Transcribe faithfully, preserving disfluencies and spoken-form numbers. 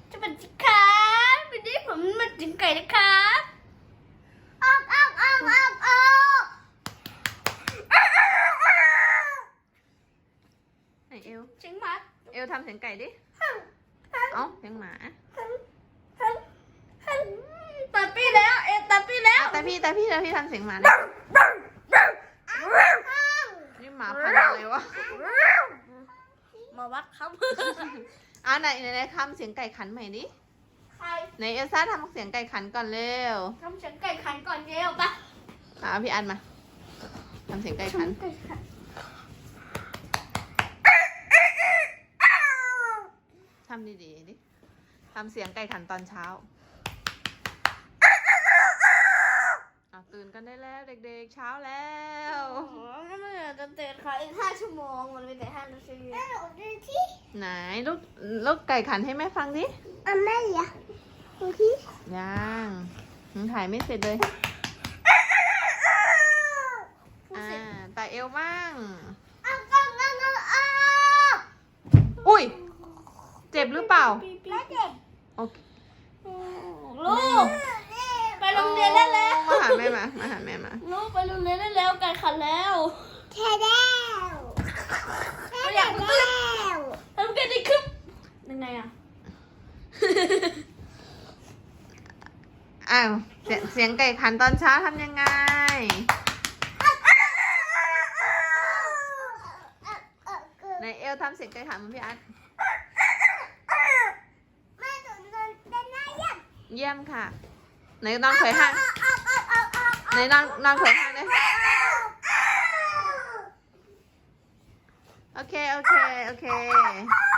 จะเป็นสิครับวันนี้ผมมาถึงไก่นะครับออกออกออกออกออกไหนเอวเสียงหมาเอวทำเสียงไก่ดิเอ้าเสียงหมาตัดพี่แล้วเอ็ตัดพี่แล้วแต่พี่แต่พี่แต่พี่ทำเสียงหมาดินี่หมาพันธุ์อะไรวะมาวัดครับอ่ะไหนไหนไหนทำเสียงไก่ขันใหม่ดิใครไหนเอลซ่าทำเสียงไก่ขันก่อนเร็วทำเสียงไก่ขันก่อนเร็วปะอ่ะพี่อันมาทำเสียงไก่ขันทำดีๆดิทำเสียงไก่ขันตอนเช้าอ่ะตื่นกันได้แล้วเด็กๆเช้าแล้วโอ้โหนั่นมันจะเตือนเขาอีกห้าชั่วโมงมันเป็นแต่ห้านาทีแม่หนูดูที่ไหนลูกลูกไก่ขันให้แม่ฟังดิอ่ะแม่อย่าดูที่ยังยังถ่ายไม่เสร็จเลยอ่าตาเอวบ้างอ้าวอ้าวอ้าวอ้าวอุ้ยเจ็บหรือเปล่าไม่เจ็บโอเคลูกไปโรงเรียนได้แล้วมาหาแม่มามาหาแม่มาลูกไปโรงเรียนได้แล้วไก่ขันแล้วแค่แล้วไม่อยากแล้วทำกันได้ครับยังไงอ่ะอ้าวเสียงเสียงไก่ขันตอนเช้าทำยังไงในเอลทำเสียงไก่ขันเหมือนพี่อาร์ตเยี่ยมค่ะไหนน้องเขยห้างไหนน้องน้องเขยห้างเลยโอเคโอเคโอเค